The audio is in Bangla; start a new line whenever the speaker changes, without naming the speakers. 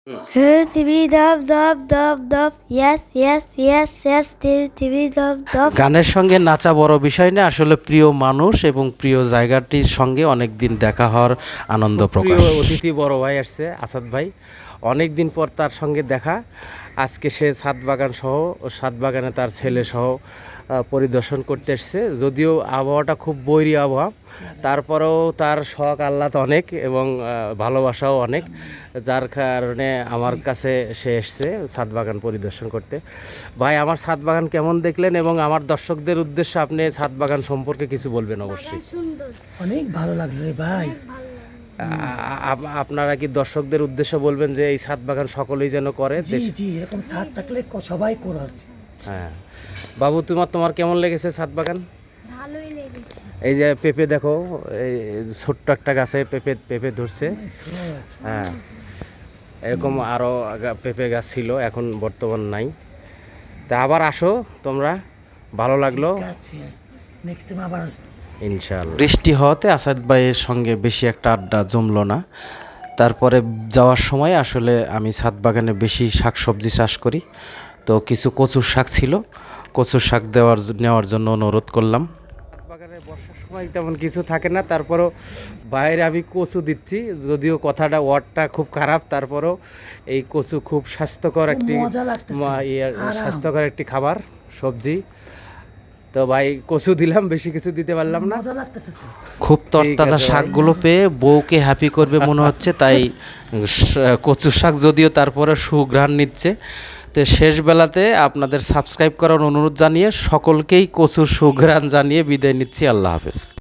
Tibbity dub dub dub dub. Yes, yes, yes, yes. Tibbity dub dub.
গানের সঙ্গে নাচা বড় বিষয় না, আসলে প্রিয় মানুষ এবং প্রিয় জায়গাটির সঙ্গে অনেক দিন দেখা হওয়ার আনন্দ প্রকাশ। প্রিয় অতিথি বড় ভাই আসছে, আসাদ ভাই, অনেক দিন পর তার সঙ্গে দেখা। আজকে সে ছাদ বাগান সহ, ছাদ বাগানে তার ছেলে সহ পরিদর্শন করতে এসছে। যদিও আবহাওয়াটা খুব বৈরী আবহাওয়া, তারপরেও তার শখ আহ্লাদ অনেক এবং ভালোবাসাও অনেক, যার কারণে আমার কাছে সে এসছে ছাদ বাগান পরিদর্শন করতে। ভাই, আমার ছাদ বাগান কেমন দেখলেন এবং আমার দর্শকদের উদ্দেশ্যে আপনি ছাদ বাগান সম্পর্কে কিছু বলবেন? অবশ্যই
অনেক ভালো লাগলো রে ভাই।
আপনারা কি দর্শকদের উদ্দেশ্যে বলবেন যে এই ছাদ বাগান সকলেই যেন করে?
জি, এরকম ছাদ থাকলে সবাই করার।
হ্যাঁ বাবু, তোমার কেমন লেগেছে ছাদ বাগান?
ভালোই লেগেছে।
এই যে পেঁপে দেখো, এই ছোট্ট একটা গাছে পেঁপে ধরছে। হ্যাঁ, এরকম আরও পেঁপে গাছ ছিল, এখন বর্তমান নাই। তা আবার আসো তোমরা, ভালো লাগলো,
নেক্সট টাইম আবার
ইনশাআল্লাহ। বৃষ্টি হওয়াতে আসাদ ভাইয়ের সঙ্গে বেশি একটা আড্ডা জমলো না। তারপরে যাওয়ার সময় আসলে আমি ছাদ বাগানে বেশি শাকসবজি চাষ করি, তো কিছু কচুর শাক ছিল, কচুর শাক নেওয়ার জন্য অনুরোধ করলাম। ছাদ বাগানে বর্ষার সময় তেমন কিছু থাকে না, তারপরও বাইরে আমি কচু দিচ্ছি, যদিও কথাটা ওয়ার্ডটা খুব খারাপ, তারপরও এই কচু খুব স্বাস্থ্যকর একটি খাবার সবজি। তো ভাই কচু দিলাম, বেশি কিছু দিতে পারলাম না। খুব তরতাজা শাকগুলো পেয়ে বউকে হ্যাপি করবে মনে হচ্ছে, তাই কচু শাক যদিও তারপরে সুঘ্রাণ নিচ্ছে। তো শেষ বেলাতে আপনাদের সাবস্ক্রাইব করার অনুরোধ জানিয়ে সকলকেই কচুর সুঘ্রাণ জানিয়ে বিদায় নিচ্ছি। আল্লাহ হাফেজ।